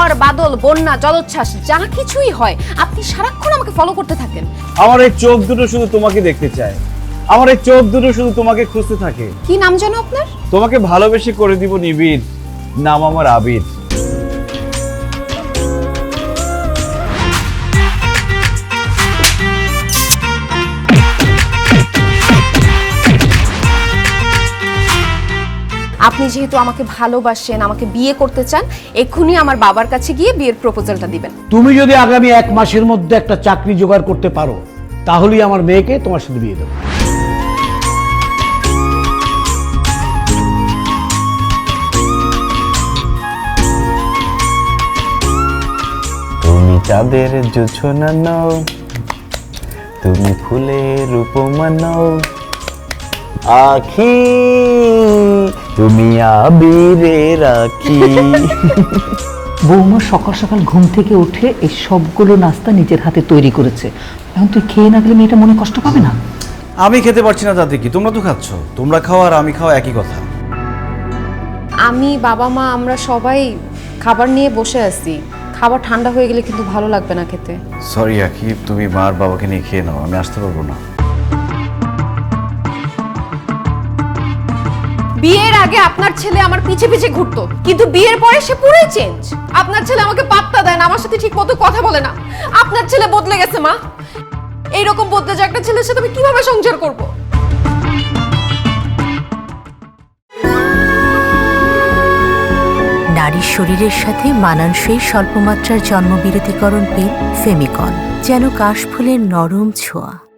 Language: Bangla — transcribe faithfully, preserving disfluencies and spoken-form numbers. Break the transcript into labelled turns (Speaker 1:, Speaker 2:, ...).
Speaker 1: ঝড় বাদল বন্যা জলোচ্ছ্বাস যা কিছুই হয় আপনি সারাক্ষণ আমাকে ফলো করতে থাকেন।
Speaker 2: আমার এই চোখ দুটো শুধু তোমাকে দেখতে চায়, আমার এই চোখ দুটো শুধু তোমাকে খুঁজতে থাকে।
Speaker 1: কি নাম জানো আপনার?
Speaker 2: তোমাকে ভালোবেসে করে দিব নিবিড়, নাম আমার আবির।
Speaker 1: আপনি যেহেতু আমাকে ভালোবাসেন, আমাকে বিয়ে করতে চান, এক্ষুনি আমার বাবার কাছে গিয়ে বিয়ের প্রপোজালটা দিবেন।
Speaker 3: তুমি যদি আগামী এক মাসের মধ্যে একটা চাকরি জোগাড় করতে পারো তাহলেই আমার মেয়েকে তোমার সাথে বিয়ে দেবো।
Speaker 2: তুমি চাঁদের জোছনা নও, তুমি ফুলের উপমা নও, আখি তুমি আবিরে রাখি।
Speaker 4: বৌমা সকাল সকাল ঘুম থেকে উঠে এই সবগুলো নাস্তা নিজের হাতে তৈরি করেছে। এখন তুই খেয়ে না গেলে মেয়েটা মনে কষ্ট পাবে না?
Speaker 2: আমি খেতে পারছি না তাতে কি, তোমরা তো খাচ্ছ। তোমরা খাওয়া আর আমি খাওয়া একই কথা।
Speaker 1: আমি বাবা মা আমরা সবাই খাবার নিয়ে বসে আছি, খাবার ঠান্ডা হয়ে গেলে কিন্তু ভালো লাগবে না খেতে।
Speaker 2: সরি আখি, তুমি মা আর বাবাকে নিয়ে খেয়ে নাও, আমি আসতে পারবো না।
Speaker 1: বিয়ের আগে আপনার ছেলে আমার পিছে পিছে ঘুরতো, কিন্তু বিয়ের পরে সে পুরোই চেঞ্জ। আপনার ছেলে আমাকে পাত্তা দেয় না, আমার সাথে ঠিক মতো কথা বলে না। আপনার ছেলে বদলে গেছে মা। এইরকম বদলে যে একটা ছেলের সাথে আমি কিভাবে সংসার করব?
Speaker 5: নারীর শরীরের সাথে মানানসই স্বল্পমাত্রার জন্মবিরতিকরণ পিল ফেমিকন, যেন কাশফুলের নরম ছোঁয়া।